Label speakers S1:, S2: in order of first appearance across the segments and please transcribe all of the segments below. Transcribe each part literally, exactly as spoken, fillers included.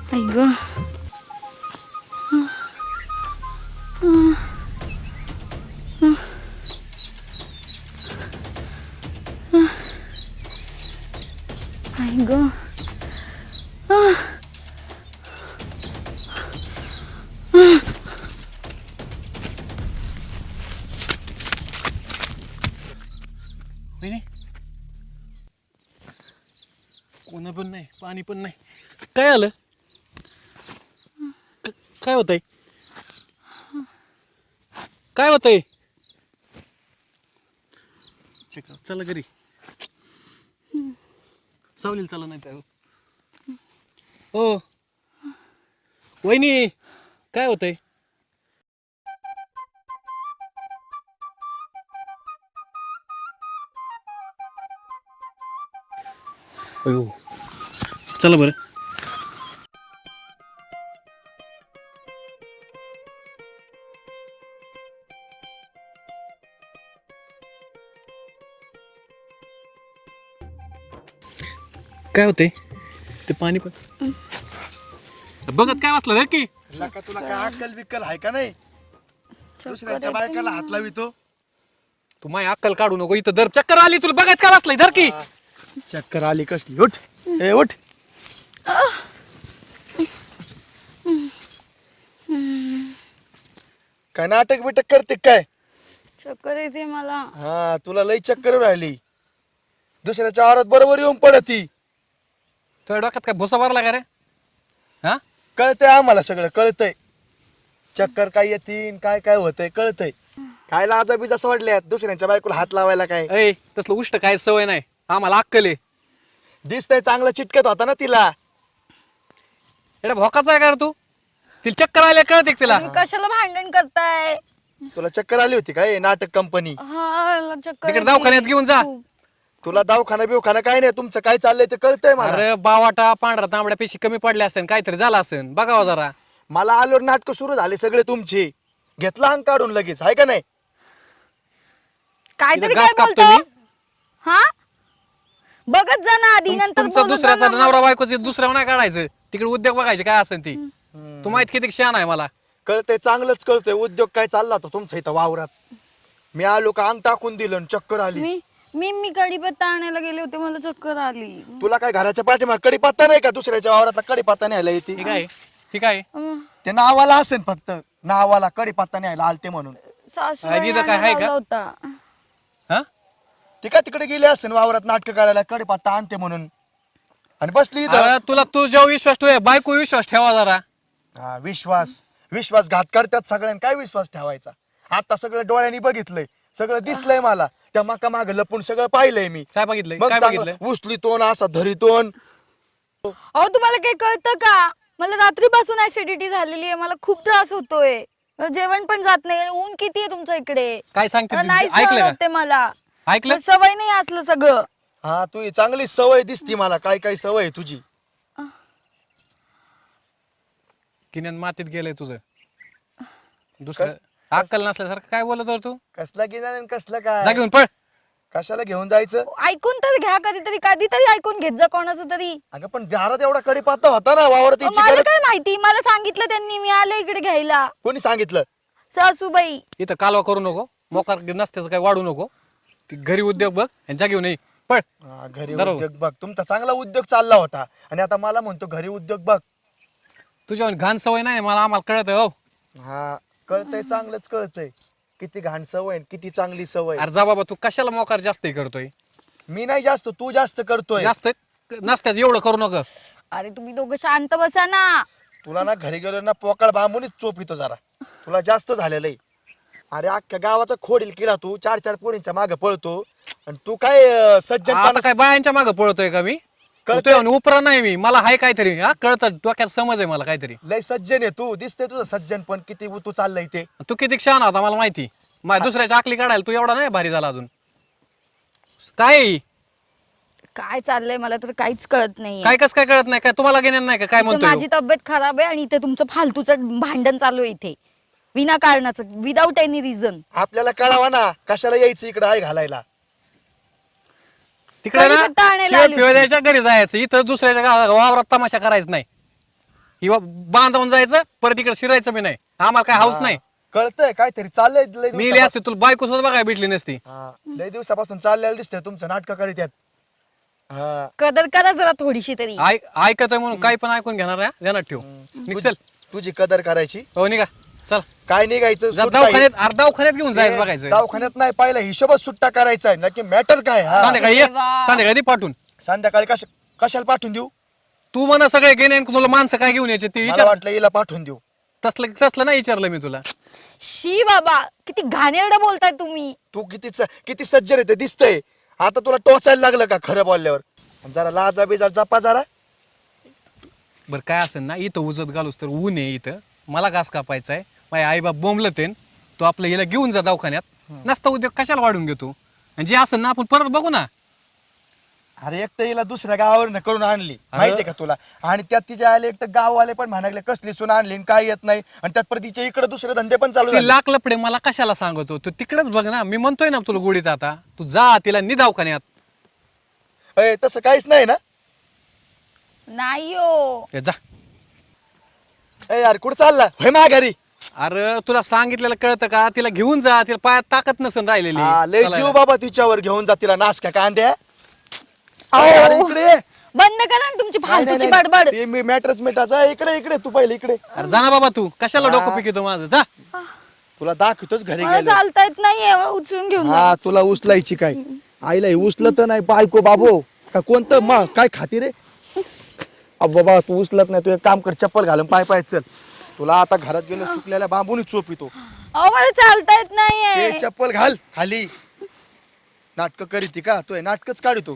S1: आई ग आई ग
S2: नाही कोणा पण नाही पाणी पण नाही काय आलं क- काय होतंय काय होतंय चेक चला घरी सावलील चला नाही तर हो वहिनी काय होतंय अयो चला बरं काय होते ते पाणी पण बघत काय वाचलं रे की
S3: लका तुला काय अक्कल बिक्कल आहे का नाही दुसऱ्यांच्या बायकाला हात लावितो
S2: तू माय अक्कल काढू नको इथं दर चक्कर आली तुला बघत काय वाचलंय धर की
S3: चक्कर आली कसली उठ ए उठ काय नाटक बिटक करते काय
S1: चक्कर येते मला.
S3: हा तुला लई चक्कर राहिली दुसऱ्याच्या आवारात बरोबर येऊन पडती
S2: तुझ्या डोक्यात काय भुसा भरला का रे हा
S3: कळतंय आम्हाला सगळं कळतंय चक्कर काय येतीन काय काय होतंय कळतंय काय लाजा बिजा सोडल्यात दुसऱ्यांच्या बायकोला हात लावायला काय
S2: ऐ तसलं उष्ट काय सवय नाही आम्हाला अक्कल आहे
S3: दिसतंय चांगलं चिटकत होता ना तिला
S2: एवढा भोकाचा आहे का रे तू तिला चक्कर आल्या कळते तिला
S1: तुम्ही कशाला भांडण करताय?
S3: तुला चक्कर आली होती काय नाटक कंपनी
S1: हा मला चक्कर
S2: तिकडे
S1: येते.
S2: दवाखान्यात घेऊन जा
S3: तुला दवाखाना बिवखाना काय नाही तुमचं काय चाललंय ते कळतंय मला
S2: अरे बावाटा पांढरा तांबड्या पेशी कमी पडल्या असत्या काहीतरी झालं असेल बघावं जरा
S3: मला आलोर नाटक सुरू झाले सगळे तुमचे घेतला अंग काढून लगेच आहे का नाही
S1: काहीतरी
S2: इथं
S1: काय
S2: घास कापतो
S1: बोलतो?
S2: मी.
S1: हा बघत जा ना आधी नंतर
S2: तुमचा
S1: बोलत जा
S2: दुसऱ्याचा
S1: ना.
S2: नवरा बायकोचं दुसऱ्यावर नाही काढायचं तिकडे उद्योग बघायचे काय असेल ती तू माहित किती शान आहे मला
S3: कळतंय चांगलंच कळतंय उद्योग काय चालला तो तुमचा इथं वावरात मी आलो का अंग टाकून दिलं आणि चक्कर आली
S1: मी मी मी कढीपत्ता आणायला गेले होते मला चक्कर आली.
S3: तुला काय घराच्या पाठीमाग कडीपत्ता नाही का दुसऱ्याच्या वावरातला कडीपत्ता न्यायला येते
S2: ठीक आहे ठीक आहे
S1: अं,
S3: ते नावाला असेल फक्त नावाला कडीपत्ता न्यायला आलते म्हणून
S1: सासूबाई
S2: आजी तर काय आहे का?
S1: आणायला होता.
S2: हा
S3: ती का तिकडे गेली असेल वावरात नाटक करायला कडीपत्ता आणते म्हणून आणि बसली इथं
S2: अरे तुला तू जेव्हा विश्वास ठेव बायको विश्वास ठेवा जरा
S3: हा विश्वास विश्वासघात करतात सगळ्यांनी काय विश्वास ठेवायचा आता सगळं डोळ्यांनी बघितलंय सगळं दिसलंय मला त्या मका माग लपून सगळं पाहिलंय मी
S2: काय बघितलंय
S3: मग
S2: काय
S3: चांगलं
S2: बघितलंय
S3: उचली तोन असा धरितोन
S1: अहो तुम्हाला काही कळतं का मला रात्रीपासून ऍसिडिटी झालेली आहे मला खूप त्रास होतोय मला जेवण पण जात नाही ऊन किती आहे तुमच्या इकडे
S2: काय सांगते
S1: मला
S2: ती?
S1: नाही
S2: ऐकलं
S1: सहन
S2: का?
S1: होते मला
S2: ऐकलं
S1: मला सवय नाही असलं सगळं.
S3: हा तू ही चांगली सवय दिसती मला काय काय सवय आहे तुझी
S2: किन्यान मातीत गेलंय तुझं दुसरं अक्कल नसल्यासारखं काय बोलत होता तू
S3: कसला गिनार आणि कसलं
S2: जा
S3: काय
S2: घेऊन पळ
S3: कशाला घेऊन जायचं
S1: ऐकून तर घ्या कधीतरी कधीतरी ऐकून घेत जा कोणाचं तरी.
S3: अगं पण दारात एवढा कडीपत्ता होता ना वावरात यायची
S1: मला
S3: गरज
S1: काय माहिती मला सांगितलं त्यांनी मी आले इकडे घ्यायला
S3: कोणी सांगितलं
S1: सासूबाई.
S2: इथं कालवा करू नको मोकार नसत्याचं काय वाढू नको ती घरी उद्योग बघ आणि जा घेऊन ये पळ
S3: हा, घरी
S2: बरोबर.
S3: उद्योग बघ तुमचा चांगला उद्योग चालला होता आणि आता मला म्हणतो घरी उद्योग बघ
S2: तुझ्या घाण सवय नाही मला आम्हाला कळत हो
S3: हा कळतंय चांगलंच कळतंय किती घाण सवय आणि किती चांगली सवय
S2: अरे जा बाबा तू कशाला मोकार जास्त हे करतोय
S3: मी नाही जास्त तू जास्त करतोय
S2: जास्त नसत्याच एवढं करू नका
S1: अरे तुम्ही दोघं शांत बसा ना.
S3: तुला ना घरी गेलो ना पोकळ बांबूनच चोपितो जरा तुला जास्त झालेलं आहे अरे अख्ख्या गावाचा खोडील किडा तू चार चार पोरींच्या मागे पळतो आणि तू काय अं, सज्जन
S2: आता काय बायांच्या मागे पळतोय का मी
S3: कळतंय.
S2: कळतोय उपरा नाही मी मला हाय काहीतरी हा कळत डोक्यात समज आहे मला काहीतरी
S3: लय सज्जन आहे तू दिसते तुझं सज्जन पण किती तू चाललंय ते
S2: तू किती छान होता मला माहिती माझ्या दुसऱ्याच्या आकली काढायला तू एवढा नाही भारी झाला अजून काय
S1: काय चाललंय मला तर काहीच कळत नाही.
S2: काय कस काय कळत नाही काय तुम्हाला घेणार नाही का काय म्हणतोय
S1: माझी तब्येत खराब आहे आणि इथे तुमचं फालतूचं भांडण चालू आहे इथे विनाकारणाचं विदाऊट एनी रिझन.
S3: आपल्याला कळावा ना कशाला यायचं इकडे आहे घालायला
S2: तिकडे ना
S1: कढीपत्ता आणायला
S2: शिवाय
S1: आली
S2: पिवाय द्यायच्या घरी जायचं इथं दुसऱ्याच्या गावा- वावरात तमाशा करायचं नाही ही वा- बांधावून जायचं परत इकडे शिरायचं बी नाही आम्हाला काय हाऊस नाही
S3: कळतंय काहीतरी चाललंय लय
S2: मी लिहि
S3: दिवसापासून.
S2: असते तुला बायको सुद्धा बघायला भेटली नसती
S3: हा, लय दिवसापासून चाललेलं दिसतंय तुमचं नाटक करीत आहेत. हा
S1: कदर करा जरा थोडीशी तरी
S2: ऐक ऐकतोय म्हणून काही पण ऐकून घेणार आहे ध्यानात ठेव निघ चल
S3: तुझी कदर करायची
S2: हो निघा चल
S3: काय निघायचं
S2: जा
S3: सुट्टा आहे.
S2: दवाखान्यात अरे दवाखान्यात घेऊन जायचं
S3: ते
S2: बघायचं
S3: दवाखान्यात नाही पाहिलं हिशोबच सुट्टा करायचा आहे नक्की मॅटर काय हा
S2: संध्याकाळी ये
S1: देवा.
S2: संध्याकाळी दे पाठवून
S3: संध्याकाळी कश कशाला पाठवून देऊ
S2: तू म्हणा सगळे गेले आणि तुला माणसं काय घेऊन यायचे ते
S3: मला
S2: विचार
S3: वाटलं हिला पाठवून देऊ
S2: तसलं तसलं नाही विचारलं मी तुला
S1: शी बाबा किती घाणेरडं बोलताय तुम्ही
S3: तू किती स- किती सज्जन आहे ते दिसतंय आता तुला टोचायला लागलं का खरं बोलल्यावर जरा लाजा बिजा जपा जरा
S2: बरं काय असेल ना इथं उजत घालूस तर ऊन आहे इथं मला घास कापायचा आहे माझे आईबाप बोंबलं ते तू आपलं हिला घेऊन जा दवाखान्यात नसता उद्योग कशाला वाढून घेतो आणि जे असेल ना आपण परत बघू ना
S3: अरे एक तर हिला दुसऱ्या गावावर करून आणली माहितीये का तुला आणि त्यात तिच्या आले एक तर गाववाले पण म्हणाले कसली सुन आणली आणि काय येत नाही आणि त्यात परत तिच्या इकडे दुसरे धंदे पण चालू
S2: ती
S3: झाले
S2: लाख लपडे मला कशाला सांगतो तू तिकडेच बघ ना मी म्हणतोय ना तुला गोडीत आता तू जा तिला नि दवाखान्यात
S3: अय, तसं काहीच नाही ना
S1: नाही हो
S2: ए, जा
S3: ए यार कुठं चालला होय माघारी
S2: अरे तुला सांगितलेलं कळतं का तिला घेऊन जा तिला पायात ताकद नसेल राहिलेली
S3: हा, लय
S2: चला
S3: जीव
S2: ना.
S3: बाबा तिच्यावर घेऊन जा तिला नासक्या कांद्या
S1: अहो.
S3: अरे इकडे ये.
S1: बंद करा ना तुमची
S3: नाही, नाही,
S1: फालतूची
S3: नाही.
S1: बडबड
S3: ते मी मॅटरच मिटाचा इकडे इकडे तू पहिले इकडे
S2: अरे जा ना बाबा तू कशाला
S3: हा.
S2: डोकं पिकतो माझं जा
S3: तुला दाखवतोच घरी
S1: मला
S3: गेलो
S1: चालता येत नाहीये उचलून घेऊन जा.
S3: हा तुला उचलायची काय आईला हे उचलत नाही बायको बाबो का कोणतं मा काय खाती रे अब बाबा तू उचलत नाही तू एक काम कर चप्पल घालून पाय पाय चल तुला आता घरात गेलो सुकलेल्या बांबून चोप येतो
S1: अहो मला चालता येत नाहीये
S3: ते चप्पल घाल खाली नाटक करीती का तू नाटकच काढतो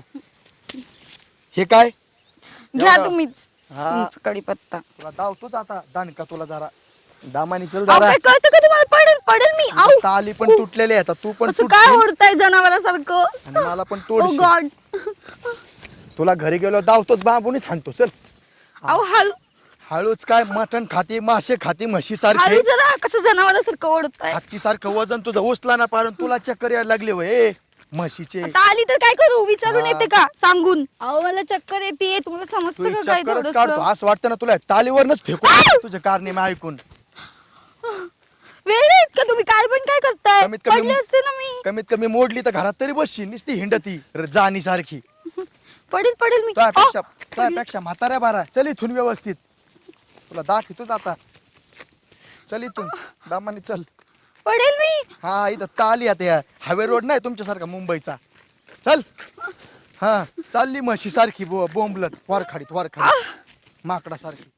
S3: हे काय
S1: घ्या
S3: एवढा-
S1: तुम्हीच
S3: हा.
S1: तुमचं कढीपत्ता
S3: तुला दावतोच आता दानका तुला जरा दामानी चल
S1: अहो,
S3: जरा
S1: काय कळतं का तुम्हाला पडेल पडेल मी आऊ
S3: ताली पण तुटलेली आहे आता तू पण
S1: असं काय
S3: तुटशील
S1: ओढताय जनावरासारखं
S3: आणि मला पण
S1: ओ
S3: तोडशील
S1: गॉड
S3: तुला घरी गेलो दावतोच बांबून हाणतो चल
S1: अहो हळू
S3: हळूच काय मटण खाती मासे खाती म्हशी सारखे
S1: हळू जरा कसं जनावरासारखं ओढताय
S3: हत्ती सारखं वजन तुझं उचला ना पारून तुला चक्कर यायला लागले वय म्हशीचे
S1: आता आली तर काय करू विचारून
S3: हा.
S1: येते का सांगून अहो मला चक्कर येते तुम्हाला
S3: तू
S1: समजतं का काय
S3: चक्करच काढतो
S1: थोडस
S3: असं वाटतं ना तुला तालीवरनच फेकून तुझे कारणे ऐकून
S1: वेळ आहेत का तुम्ही काय पण काय करताय
S3: कमीत कमी-
S1: पडले असते ना मी
S3: कमीत कमी मोडली तर घरात तरी बसशी नुसती हिंडती र- जाणी सारखी
S1: पडेल पडेल मी
S3: तुझ्यापेक्षा
S1: अहो,
S3: तुझ्यापेक्षा म्हाताऱ्या बारा चल इथून व्यवस्थित तुला दाखवतोच आता चल इथून दामाने चल
S1: पडेल मी
S3: हा इथं ताली आता या हायवे रोड नाही तुमच्यासारखा मुंबईचा चल हा चालली म्हशी सारखी बो बोंबलत वारखाडीत वारखाडीत माकडा सारखी